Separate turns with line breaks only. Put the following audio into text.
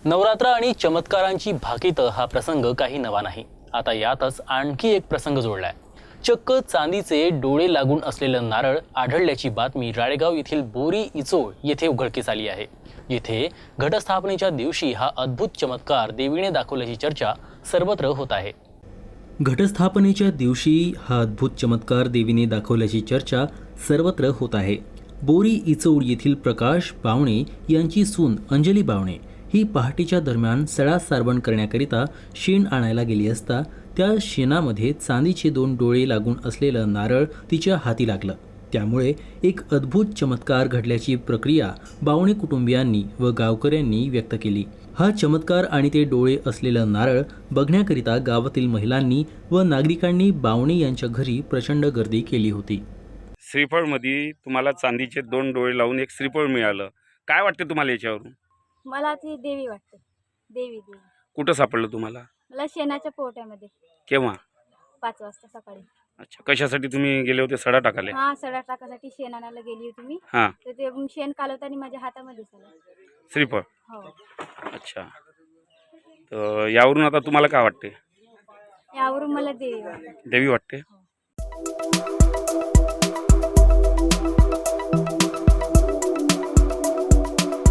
नवरात्र आणि चमत्कारांची भाकीत हा प्रसंग काही नवा नाही। आता यातच आणखी एक प्रसंग जोडलाय। चक्क चांदीचे डोळे लागून असलेलं नारळ आढळल्याची बातमी राळेगाव येथील बोरी इचोळ येथे उघडकीस आली आहे। येथे घटस्थापनेच्या दिवशी हा अद्भुत चमत्कार देवीने दाखवल्याची चर्चा सर्वत्र होत आहे। घटस्थापनेच्या दिवशी हा अद्भुत चमत्कार देवीने दाखवल्याची चर्चा सर्वत्र होत आहे। बोरी इचौड येथील प्रकाश बावणे यांची सून अंजली बावणे ही पहाटेच्या दरम्यान सडा सारवण करण्याकरिता शेण आणायला गेली असता त्या शेणामध्ये चांदीचे 2 डोळे लागून असलेलं नारळ तिच्या हाती लागलं। त्यामुळे एक अद्भुत चमत्कार घडल्याची प्रक्रिया बावणे कुटुंबियांनी व गावकऱ्यांनी व्यक्त केली। हा चमत्कार आणि ते डोळे असलेलं नारळ बघण्याकरिता गावातील महिलांनी व नागरिकांनी बावणे यांच्या घरी प्रचंड गर्दी केली होती।
श्रीफळमध्ये तुम्हाला चांदीचे 2 डोळे लावून एक श्रीफळ मिळालं, काय वाटते तुम्हाला याच्यावरून?
मला ती देवी वाटते। देवी
कुठं सापडलं तुम्हाला?
मला शेणाच्या पोट्यामध्ये
केव्हा?
5 वाजता सकाळी।
अच्छा, कशासाठी तुम्ही गेले होते? सडा टाकाले?
हा, सडा टाकासाठी शेण आणायला गेली होती मी।
हां,
तर ते शेण कालवताना माझ्या हातामध्ये आलं।
श्रीफळ।
हो,
अच्छा, तर यावरून आता तुम्हाला काय वाटते?
यावरून मला देवी वाटते।
देवी वाटते?
हो।